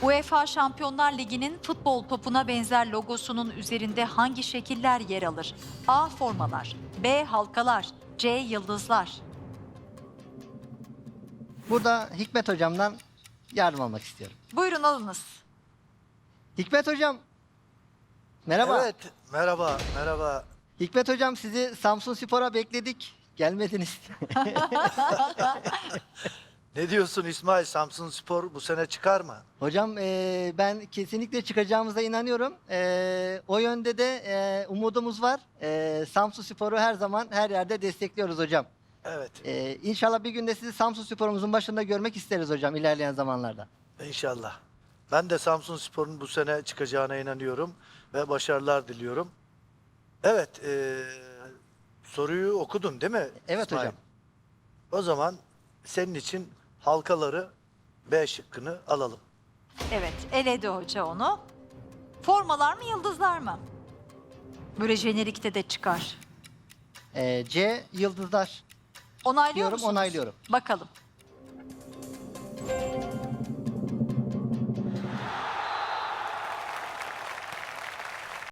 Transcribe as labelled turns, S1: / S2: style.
S1: UEFA Şampiyonlar Ligi'nin futbol topuna benzer logosunun üzerinde hangi şekiller yer alır? A. Formalar, B. Halkalar, C. Yıldızlar.
S2: Burada Hikmet hocamdan yardım almak istiyorum.
S1: Buyurun alınız.
S2: Hikmet hocam. Merhaba.
S3: Evet, merhaba.
S2: Hikmet hocam, sizi Samsunspor'a bekledik. Gelmediniz.
S3: Ne diyorsun İsmail? Samsunspor bu sene çıkar mı?
S2: Hocam, ben kesinlikle çıkacağımıza inanıyorum. O yönde de umudumuz var. Samsunspor'u her zaman her yerde destekliyoruz hocam.
S3: Evet,
S2: İnşallah bir günde sizi Samsunspor'umuzun başında görmek isteriz hocam ilerleyen zamanlarda.
S3: inşallah. Ben de Samsunspor'un bu sene çıkacağına inanıyorum ve başarılar diliyorum. Evet, soruyu okudun değil mi
S2: Evet
S3: İsmail?
S2: hocam.
S3: O zaman senin için halkaları B şıkkını alalım.
S1: Evet, eledi hoca onu. Formalar mı, yıldızlar mı? Böyle jenerikte de çıkar.
S2: C. Yıldızlar.
S1: Onaylıyor
S2: Diyorum,
S1: musunuz?
S2: onaylıyorum.
S1: Bakalım.